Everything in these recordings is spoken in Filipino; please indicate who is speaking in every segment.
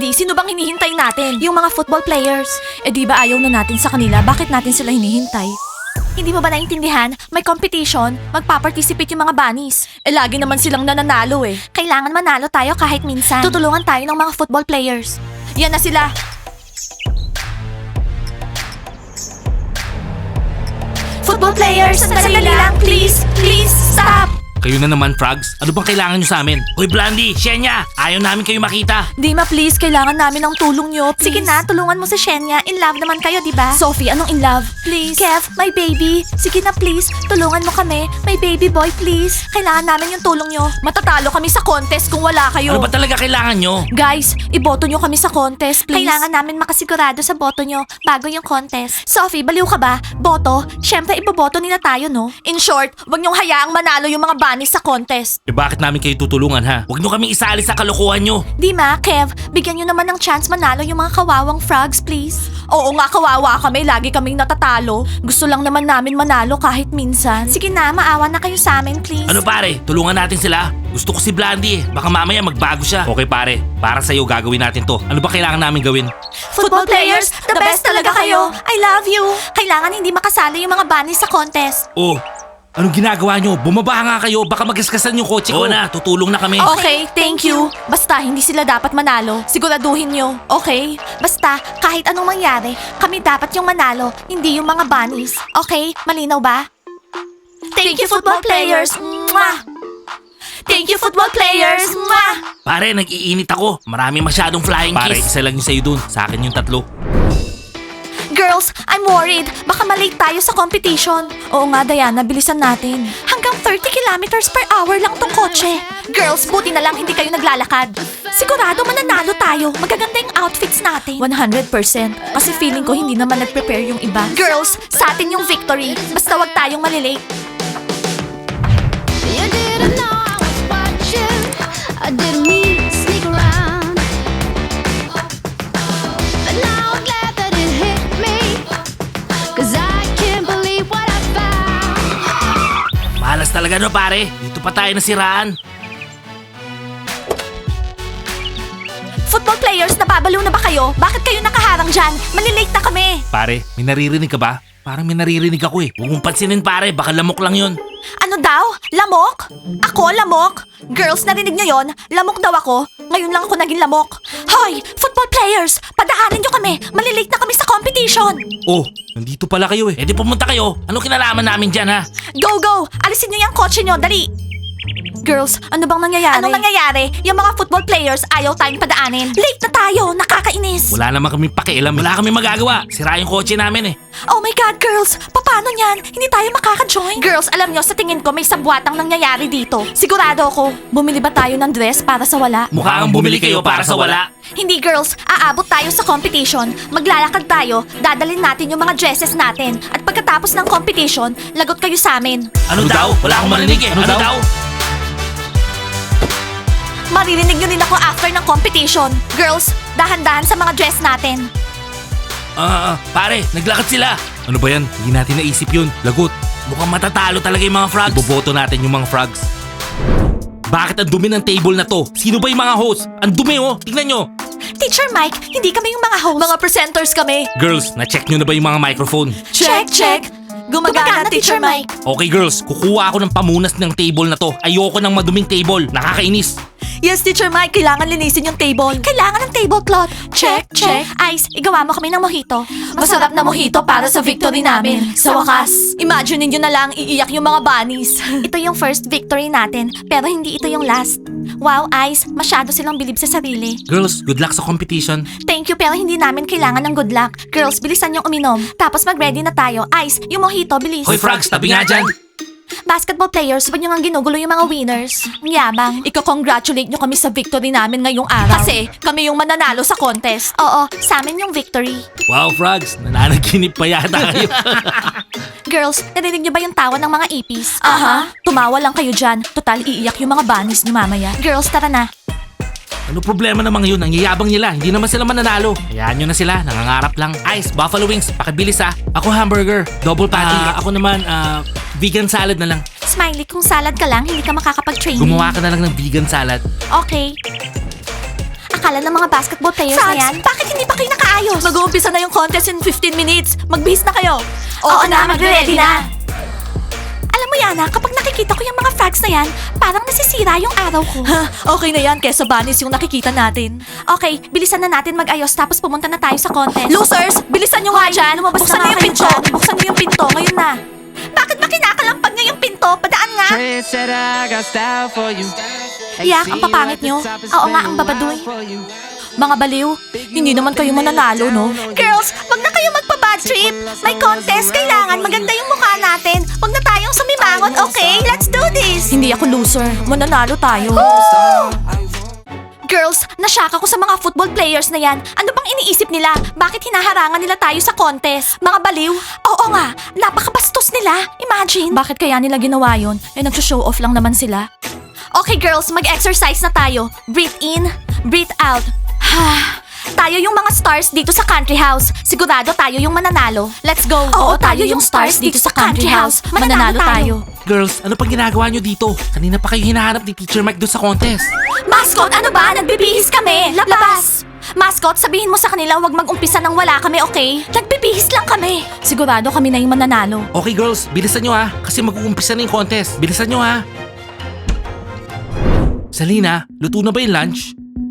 Speaker 1: Blandy, sino bang hinihintay natin? Yung mga football players. Eh di ba ayaw na natin sa kanila? Bakit natin sila hinihintay? Hindi mo ba naintindihan? May competition, magpa-participate yung mga bunnies. Eh lagi naman silang nananalo eh. Kailangan manalo tayo kahit minsan. Tutulungan tayo ng mga football players. Yan na sila. Football players, sandali lang, please, please, stop!
Speaker 2: Kayo na naman, Frogs. Ano bang kailangan nyo sa amin? Hoy, Blandy, Shenya, ayaw namin kayo makita.
Speaker 1: Dima, please, kailangan namin ng tulong nyo, please. Sige na, tulungan mo si Shenya. In love naman kayo, di ba? Sophie, anong in love? Please. Kev, my baby. Sige na, please. Tulungan mo kami. My baby boy, please. Kailangan namin yung tulong nyo. Matatalo kami sa contest kung wala kayo.
Speaker 2: Ano ba talaga kailangan nyo?
Speaker 1: Guys, iboto nyo kami sa contest, please. Kailangan namin makasigurado sa boto nyo bago yung contest. Sophie, baliw ka ba? Boto? Siyempre, iboboto nila tayo, no? In short, wag nyong hayaang manalo yung mga bunnies sa contest.
Speaker 2: Eh bakit namin kayo tutulungan ha? Huwag nyo kaming isali sa kalokohan nyo.
Speaker 1: Dima, Kev, bigyan nyo naman ng chance manalo yung mga kawawang frogs, please. Oo nga, kawawa kami. Lagi kaming natatalo. Gusto lang naman namin manalo kahit minsan. Sige na, maawa na kayo sa amin, please.
Speaker 2: Ano pare, tulungan natin sila. Gusto ko si Blandy eh. Baka mamaya magbago siya. Okay pare, para sa'yo gagawin natin to. Ano ba kailangan namin gawin?
Speaker 1: Football players, the best talaga kayo. I love you. Kailangan hindi makasali yung mga bunnies sa contest.
Speaker 2: Oh, anong ginagawa nyo? Bumaba nga kayo, baka magaskasan yung kotse ko. Oo na, tutulong na kami.
Speaker 1: Okay, thank you. Basta hindi sila dapat manalo. Siguraduhin nyo, okay? Basta kahit anong mangyari, kami dapat yung manalo, hindi yung mga bunnies. Okay, malinaw ba? Thank you, football players. Mwah! Thank you, football players. Mwah!
Speaker 2: Pare, nag-iinit ako. Marami masyadong flying kiss. Pare, isa lang yung sa'yo dun. Sa akin yung 3.
Speaker 1: Girls, I'm worried. Baka malate tayo sa competition. Oo nga, Diana, bilisan natin. Hanggang 30 kilometers per hour lang tong kotse. Girls, buti na lang hindi kayo naglalakad. Sigurado mananalo tayo. Magaganda yung outfits natin. 100%. Kasi feeling ko hindi naman nag-prepare yung iba. Girls, sa atin yung victory. Basta wag tayong malilate.
Speaker 3: You didn't know I was watching. I didn't mean to sneak around. But now I'm glad that it hit me. 'Cause I can't believe what I found.
Speaker 2: Malas talaga no pare. Dito pa tayo nasiraan.
Speaker 1: Football players, nababaliw na ba kayo? Bakit kayo nakaharang dyan? Malilate na kami.
Speaker 2: Pare, may naririnig ka ba? Parang may naririnig ako eh. Huwag mong pansinin pare, baka lamok lang yun.
Speaker 1: Ano daw? Lamok? Ako, lamok? Girls, narinig niyo yon? Lamok daw ako. Ngayon lang ako naging lamok. Hoy, football players! Padaanin niyo kami! Malilate na kami sa competition!
Speaker 2: Oh, nandito pala kayo eh. Eh di pumunta kayo. Anong kinalaman namin dyan ha?
Speaker 1: Go, go! Alisin niyo yung kotse niyo, dali! Girls, ano bang nangyayari? Anong nangyayari? Yung mga football players ayaw tayong padaanin. Late na tayo! Nakakainis!
Speaker 2: Wala naman kami pakialam. Wala kami magagawa. Sira yung kotse namin eh.
Speaker 1: Oh my God, girls! Paano niyan? Hindi tayo makaka-join? Girls, alam nyo, sa tingin ko may sabwatang nangyayari dito. Sigurado ako. Bumili ba tayo ng dress para sa wala?
Speaker 2: Mukha kang bumili kayo para sa wala.
Speaker 1: Hindi girls, aabot tayo sa competition, maglalakad tayo, dadalhin natin yung mga dresses natin. At pagkatapos ng competition, lagot kayo sa amin.
Speaker 2: Ano daw? Wala akong marinig eh. Ano daw?
Speaker 1: Maririnig nyo din ako after ng competition. Girls, dahan-dahan sa mga dress natin.
Speaker 2: Pare, naglakad sila. Ano ba yan? Hindi natin naisip yun. Lagot. Mukhang matatalo talaga yung mga frogs. Iboboto natin yung mga frogs. Bakit ang dumi ng table na to? Sino ba yung mga host? Ang dumi oh. Tingnan nyo.
Speaker 1: Teacher Mike, hindi kami yung mga host. Mga presenters kami.
Speaker 2: Girls, na-check nyo na ba yung mga microphone?
Speaker 1: Check, check. Gumagana, Teacher Mike.
Speaker 2: Okay girls, kukuha ako ng pamunas ng table na to. Ayoko ng maduming table. Nakakainis.
Speaker 1: Yes, Teacher Mike, kailangan linisin yung table. Kailangan ng tablecloth. Check, check. Ice, igawa mo kami ng mojito. Masarap na mojito para sa victory namin. Sa wakas. Imagine niyo na lang iiyak yung mga bunnies. Ito yung first victory natin, pero hindi ito yung last. Wow, Ice, masyado silang bilib sa sarili.
Speaker 2: Girls, good luck sa competition.
Speaker 1: Thank you, pero hindi namin kailangan ng good luck. Girls, bilisan yung uminom. Tapos mag-ready na tayo. Ice, yung mojito, bilis.
Speaker 2: Hoy frogs, tabi nga dyan.
Speaker 1: Basketball players, ba't nyo nga ginugulo yung mga winners? Ang yabang. Iko-congratulate nyo kami sa victory namin ngayong araw. Kasi kami yung mananalo sa contest. Oo, sa amin yung victory.
Speaker 2: Wow frogs, nananaginip pa yata kayo.
Speaker 1: Girls, narinig nyo ba yung tawa ng mga ipis? Aha. Tumawa lang kayo dyan. Total, iiyak yung mga bunnies nyo mamaya. Girls, tara na.
Speaker 2: Ano problema namang yun? Ang yayabang nila. Hindi naman sila mananalo. Hayaan nyo na sila. Nangangarap lang. Ice, buffalo wings. Pakibilis ah. Ako hamburger. Double patty. Ako naman, vegan salad na lang.
Speaker 1: Smiley, kung salad ka lang, hindi ka makakapag-training.
Speaker 2: Gumawa ka na lang ng vegan salad.
Speaker 1: Okay. akala ng mga basketball players na yan? Bakit hindi pa kayo nakaayos? Mag-uumpisa na yung contest in 15 minutes. Magbihis na kayo. Oo na, magre-ready na. Alam mo, Yana, kapag nakikita ko yung mga frogs na yan, parang nasisira yung araw ko. Okay na yan, kesa bunnies yung nakikita natin. Okay, bilisan na natin mag-ayos tapos pumunta na tayo sa contest. Losers, bilisan nyo nga dyan. Buksan na yung pinto. Buksan nyo yung pinto, ngayon na. Bakit ba kinakalampag nyo yung pinto? Padaan nga.
Speaker 4: Trendsetter, I got style for you.
Speaker 1: Yak, ang papangit nyo. Oo nga, ang babadoy. Mga baliw, hindi naman kayo mananalo, no? Girls, wag na kayo magpa-bad trip. May contest, kailangan maganda yung mukha natin. Wag na tayong sumimangot, okay? Let's do this! Hindi ako loser. Mananalo tayo. Girls, nasyak ako sa mga football players na yan. Ano bang iniisip nila? Bakit hinaharangan nila tayo sa contest? Mga baliw? Oo nga, napakabastos nila. Imagine. Bakit kaya nila ginawa yun? Eh, nag-show off lang naman sila. Okay girls, mag-exercise na tayo. Breathe in, breathe out. Tayo yung mga stars dito sa country house. Sigurado tayo yung mananalo. Let's go. Oo, tayo yung stars dito sa country house. Mananalo tayo.
Speaker 2: Girls, ano pang ginagawa nyo dito? Kanina pa kayo hinahanap ni Teacher Mike doon sa contest.
Speaker 1: Mascot, ano ba? Nagbibihis kami. Labas! Mascot, sabihin mo sa kanila huwag mag-umpisa nang wala kami, okay? Nagbibihis lang kami. Sigurado kami na yung mananalo.
Speaker 2: Okay girls, bilisan nyo ha. Kasi mag-uumpisa na yung contest. Bilisan nyo ha. Salina, luto na ba yung lunch?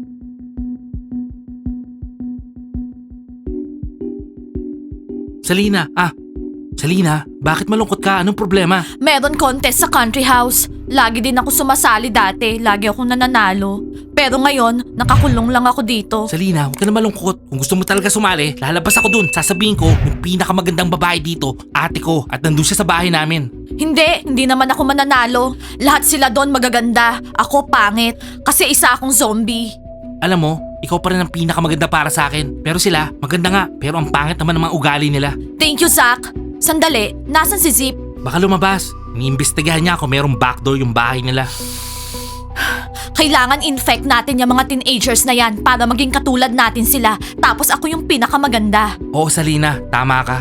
Speaker 2: Salina, bakit malungkot ka? Anong problema?
Speaker 1: Meron contest sa country house. Lagi din ako sumasali dati. Lagi akong nananalo. Pero ngayon, nakakulong lang ako dito.
Speaker 2: Salina, huwag ka na malungkot. Kung gusto mo talaga sumali, lalabas ako dun. Sasabihin ko, yung pinakamagandang babae dito, ate ko, at nandun siya sa bahay namin.
Speaker 1: Hindi naman ako mananalo. Lahat sila doon magaganda. Ako pangit. Kasi isa akong zombie.
Speaker 2: Alam mo, ikaw pa rin ang pinakamaganda para sa akin. Pero sila, maganda nga. Pero ang pangit naman ng mga ugali nila.
Speaker 1: Thank you, Zach. Sandali, nasan si Zip?
Speaker 2: Baka lumabas. Iniimbestigahan niya kung merong backdoor yung bahay nila.
Speaker 1: Kailangan infect natin yung mga teenagers na yan para maging katulad natin sila. Tapos ako yung pinakamaganda.
Speaker 2: Oo, Salina, tama ka.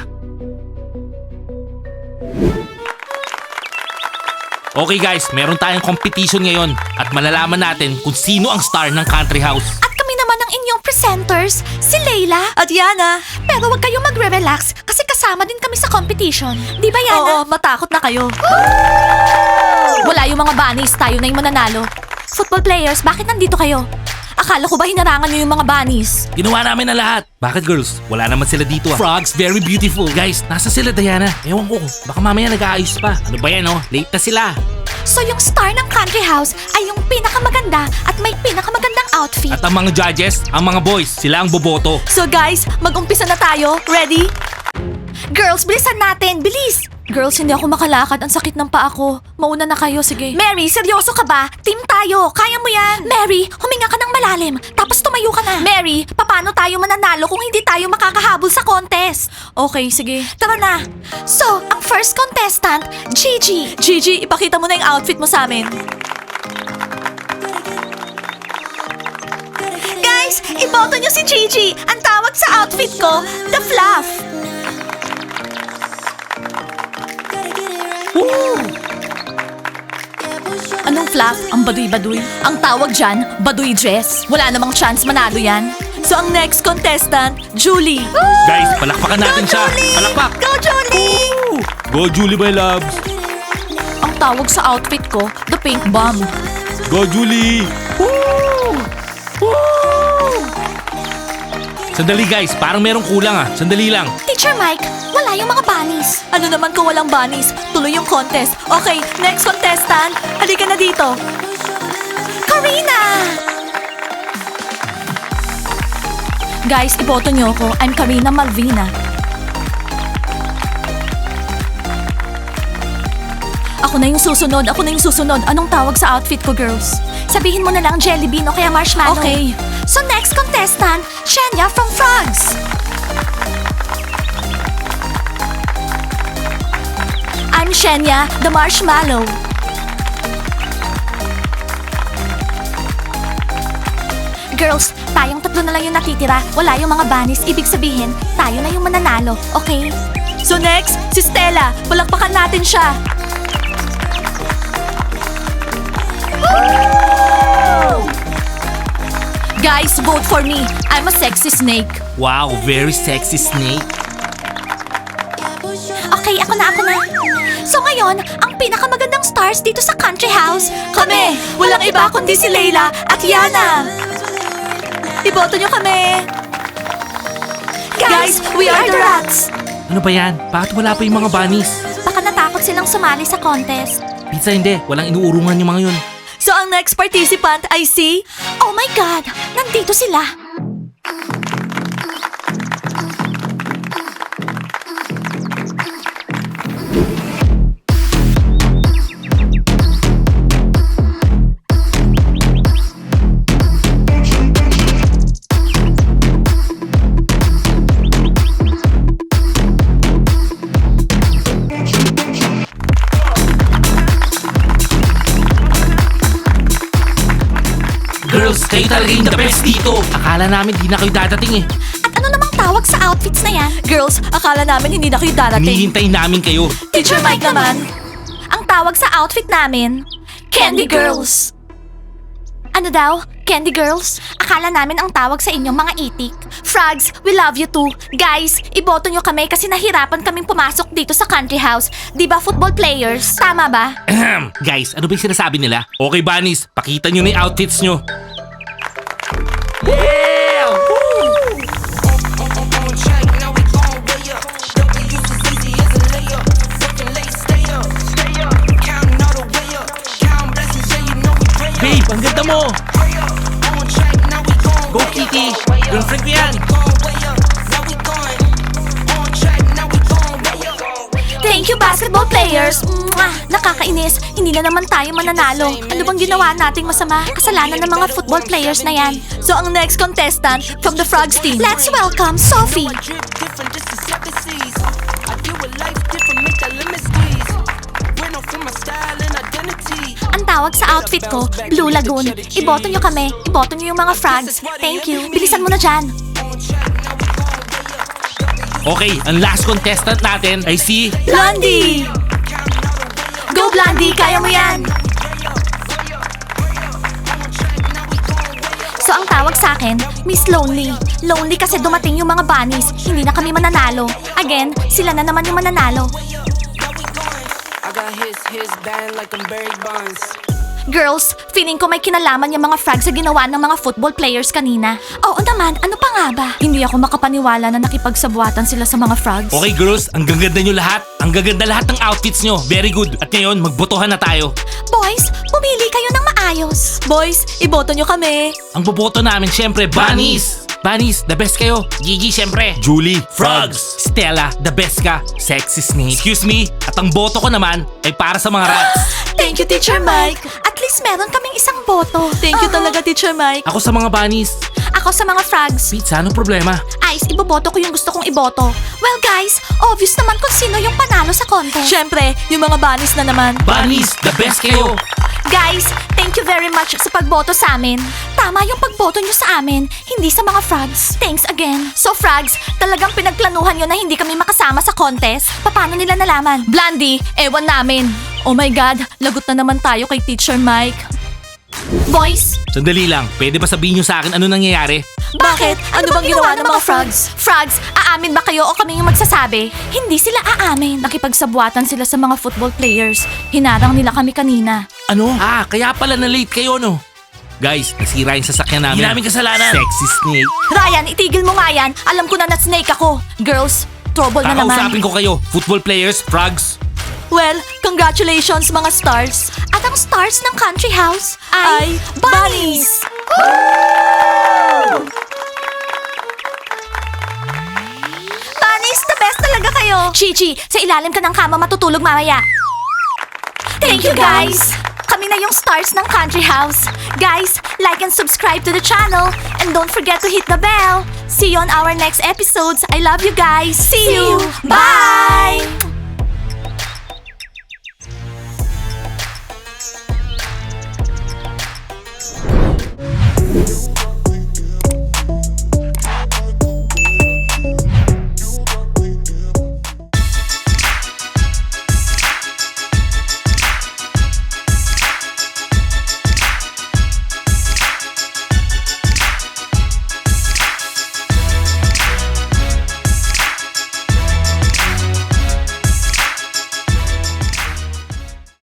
Speaker 2: Okay guys, meron tayong competition ngayon at malalaman natin kung sino ang star ng country house.
Speaker 1: At kami naman ang inyong presenters, si Layla at Yana. Pero wag kayong magre-relax kasi kasama din kami sa competition. Di ba, Yana? Oo, matakot na kayo. Wala yung mga bunnies, tayo na yung mananalo. Football players, bakit nandito kayo? Akala ko ba hinarangan niyo yung mga bunnies?
Speaker 2: Ginawa namin na lahat. Bakit girls? Wala naman sila dito ah. Frogs, very beautiful. Guys, nasa sila Diana? Ewan ko, baka mamaya nag-aayos pa. Ano ba yan oh? Late na sila.
Speaker 1: So yung star ng country house ay yung pinakamaganda at may pinakamagandang outfit.
Speaker 2: At ang mga judges, ang mga boys, sila ang boboto.
Speaker 1: So guys, mag-umpisa na tayo. Ready? Girls, bilisan natin. Bilis! Girls, hindi ako makalakad. Ang sakit ng paa ko. Mauna na kayo, sige. Mary, seryoso ka ba? Team tayo. Kaya mo yan. Mary, huminga ka ng malalim. Tapos tumayo ka na. Mary, paano tayo mananalo kung hindi tayo makakahabol sa contest? Okay, sige. Tara na. So, ang first contestant, Gigi. Gigi, ipakita mo na yung outfit mo sa amin. Guys, iboto niyo si Gigi. Ang tawag sa outfit ko, The Fluff. Anong fluff? Ang baduy-baduy? Ang tawag dyan, baduy dress. Wala namang chance manalo yan. So ang next contestant, Julie.
Speaker 2: Guys, palakpakan natin siya. Palakpak!
Speaker 1: Go, Julie!
Speaker 2: Go Julie, my loves!
Speaker 1: Ang tawag sa outfit ko, the pink bomb.
Speaker 2: Go Julie! Sandali guys, parang merong kulang ah. Sandali lang.
Speaker 1: Teacher Mike, wala yung mga bunnies. Ano naman kung walang bunnies? Tuloy yung contest. Okay, next contestant. Halika na dito. Karina! Guys, iboto niyo ako. I'm Karina Malvina. Ako na yung susunod. Anong tawag sa outfit ko, girls? Sabihin mo na lang jelly bean o kaya marshmallow. Okay. So next contestant, Shenya from Frogs. I'm Shenya, the marshmallow. Girls, tayong tatlo na lang yung natitira. Wala yung mga bunnies. Ibig sabihin, tayo na yung mananalo. Okay? So next, si Stella. Palakpakan natin siya. Guys, vote for me. I'm a sexy snake.
Speaker 2: Wow, very sexy snake.
Speaker 1: Okay, ako na. So ngayon, ang pinakamagandang stars dito sa country house, kami! Walang iba kundi si Layla at Yana! Iboto nyo kami! Guys, we are the rats!
Speaker 2: Ano ba yan? Bakit wala pa yung mga bunnies?
Speaker 1: Baka natakot silang sumali sa contest.
Speaker 2: Pizza hindi, walang inuurungan yung mga yun.
Speaker 1: So ang next participant ay si... Oh my God! Nandito sila!
Speaker 2: Girls, kayo talaga yung the best dito. Akala namin di na kayo dadating eh.
Speaker 1: At ano namang tawag sa outfits na yan? Girls, akala namin hindi na kayo darating.
Speaker 2: Hinihintay namin kayo.
Speaker 1: Teacher Mike naman. Ang tawag sa outfit namin, Candy Girls. Ano daw? Candy Girls? Akala namin ang tawag sa inyo mga itik. Frogs, we love you too. Guys, iboto nyo kami kasi nahirapan kaming pumasok dito sa country house. Di ba football players? Tama ba?
Speaker 2: Ahem. Guys, ano ba yung sinasabi nila? Okay, bunnies, pakita nyo na yung outfits nyo. Babe, ang ganda mo! Go, Kitty! Girlfriend ko yan!
Speaker 1: Thank you, basketball players! Mwah! Nakakainis. Hindi na naman tayo mananalo. Ano bang ginawa nating masama? Kasalanan ng mga football players na yan. So, ang next contestant from the Frogs team. Let's welcome Sophie! Ang tawag sa outfit ko, Blue Lagoon. Iboto nyo kami. Iboto nyo yung mga frogs. Thank you. Bilisan mo na dyan.
Speaker 2: Okay, ang last contestant natin ay si...
Speaker 1: Blondie! Go, Blondie! Kaya mo yan! So, ang tawag sa akin, Miss Lonely. Lonely kasi dumating yung mga bunnies. Hindi na kami mananalo. Again, sila na naman yung mananalo.
Speaker 4: I got his band like I'm Barry Bonds.
Speaker 1: Girls, feeling ko may kinalaman yung mga frogs sa ginawa ng mga football players kanina. Oo naman, ano pa nga ba? Hindi ako makapaniwala na nakipagsabuatan sila sa mga frogs.
Speaker 2: Okay, girls, ang gaganda nyo lahat. Ang gaganda lahat ng outfits nyo. Very good. At ngayon, magbotohan na tayo.
Speaker 1: Boys, pumili kayo ng maayos. Boys, iboto nyo kami.
Speaker 2: Ang boboto namin, syempre, bunnies! Bunnies, the best kayo. Gigi, syempre. Julie, frogs. Stella, the best ka. Sexy snake. Excuse me. At ang boto ko naman ay para sa mga rats.
Speaker 1: Thank you, Teacher Mike. At least meron kaming isang boto. Thank you talaga, Teacher Mike.
Speaker 2: Ako sa mga bunnies.
Speaker 1: Ako sa mga frogs.
Speaker 2: Pizza, anong problema?
Speaker 1: Ice, iboboto ko yung gusto kong iboto. Well, guys, obvious naman kung sino yung panalo sa contest. Siyempre, yung mga bunnies na naman.
Speaker 2: Bunnies, the best kayo.
Speaker 1: Guys, thank you very much sa pagboto sa amin. Tama yung pagboto nyo sa amin, hindi sa mga frogs. Thanks again. So frogs, talagang pinagplanuhan nyo na hindi kami makasama sa contest? Paano nila nalaman? Blondie, ewan namin. Oh my God, lagot na naman tayo kay Teacher Mike. Boys,
Speaker 2: Sandali lang, pwede ba sabihin nyo sa akin ano nangyayari?
Speaker 1: bakit? Ano bang ginawa ng mga frogs? Frogs, aamin ba kayo o kami yung magsasabi? Hindi sila aamin. Nakipagsabuatan sila sa mga football players. Hinarang nila kami kanina.
Speaker 2: Ano? Ah, kaya pala na late kayo, no? Guys, nasira yung sasakyan namin. Hindi namin kasalanan. Sexy snake.
Speaker 1: Ryan, itigil mo nga yan. Alam ko na snake ako. Girls, trouble na naman.
Speaker 2: Kakausapin ko kayo. Football players, frogs.
Speaker 1: Well, congratulations mga stars. At ang stars ng country house ay bunnies! Bunnies, the best talaga kayo! Chichi, sa ilalim ka ng kama matutulog mamaya. Thank you guys! Kami na yung stars ng country house. Guys, like and subscribe to the channel. And don't forget to hit the bell. See you on our next episodes. I love you guys. See you. Bye!